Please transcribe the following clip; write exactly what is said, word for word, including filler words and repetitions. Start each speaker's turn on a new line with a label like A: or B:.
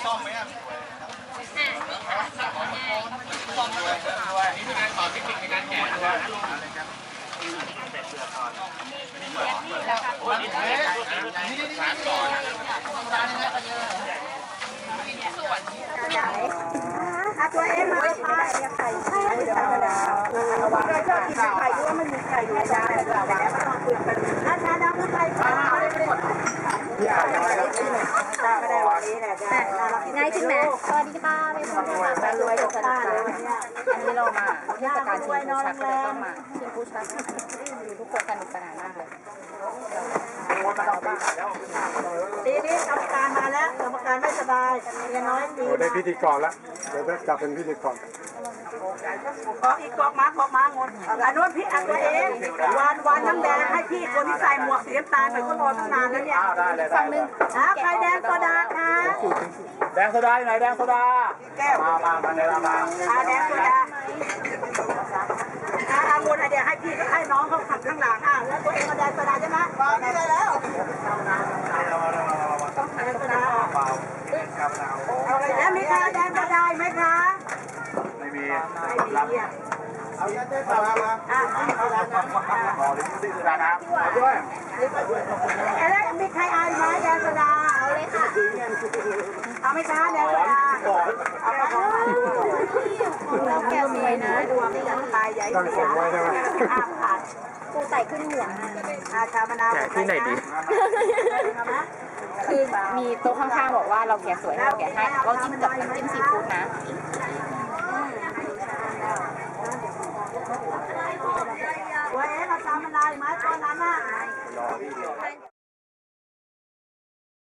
A: ซ่อมไหมอ่ะซ่อมด้วยด้วยนี่เป็นการสอนเทคนิคในการแกะด้วยนี่นี่สารก่อน
B: อาตัวเองเลยค่ะไข่ไข่ธรรมดาเราชอบกินไข่ด้วยมันมีไข่อยู่ในจานแต่แล้วก็ต้องคุยกันอาจารย์น้ำไข่ค่ะที่อ่านอะไรก็ได้ก็ได้วันนี้แหละจ้ะง่ายขึ้นไหมสวัสดีค่ะเป็นคนรวยมารวยกับสนุกเลยอันนี้เรามาเทศกาลชิมผู้ชักเลยต้องมาชิมผู้ชักทุกคนสนุกสนานมากเลยทีนี้กรรมการมาแล้วกรรมการไม่สบายเมียน้อยดี
C: ได้พิธีกรแล้วเดี๋ยวจะเป็นพิธีกร
B: กอกอีกกอกมากอกมางดอันนู้นพี่อัดตัวเองวานวานน้ำแดงให้พี่คนที่ใส่หมวกสีน้ำตาลไปก็รอตั้งนานแล้วเนี่ยฝั่งหนึ่งอ่ะใครแดงโซดาค่ะ
A: แดงโซดาอยู่ไหนแดงโซดา
B: แก้ว
A: มามามาเลยมา
B: อ่ะแดงโซดาอ่ะอางุ่นเดี๋ยวให้พี่ให้น้องเขาขับข้างหลังอ่ะแล้วตัวเองก็แดงโซดาใช่ไหมมาไม่ได้แล้วต้องแดงโซดาแล้วมีใครแดงโซดาไหมคะ
A: ไม่มี
B: ไม่มีอ่ะ
A: เอาเงินได้มามาอ่ะเอาละครับขอลิ้นซื้อดานะด้วย
B: แล้วมีใครเอาไหมแดงโซดาเอาเลยค่ะเอาไหมคะแดงโซดาเอาไปของเราแก้วมีนะดวงยังตายใหญ่เสียอาขาดกูใส่ขึ้นหัวอาชามะนาว
D: ที่ไหนดี
E: คือมีโต๊ะข้างๆบอกว่าเราแกะสวยเราแกะให้เราจิ้มกับน้ำจิ้มซีฟู้ดนะ
B: เว้ยเราชามะนาวไหมตอนนั้นน่ะ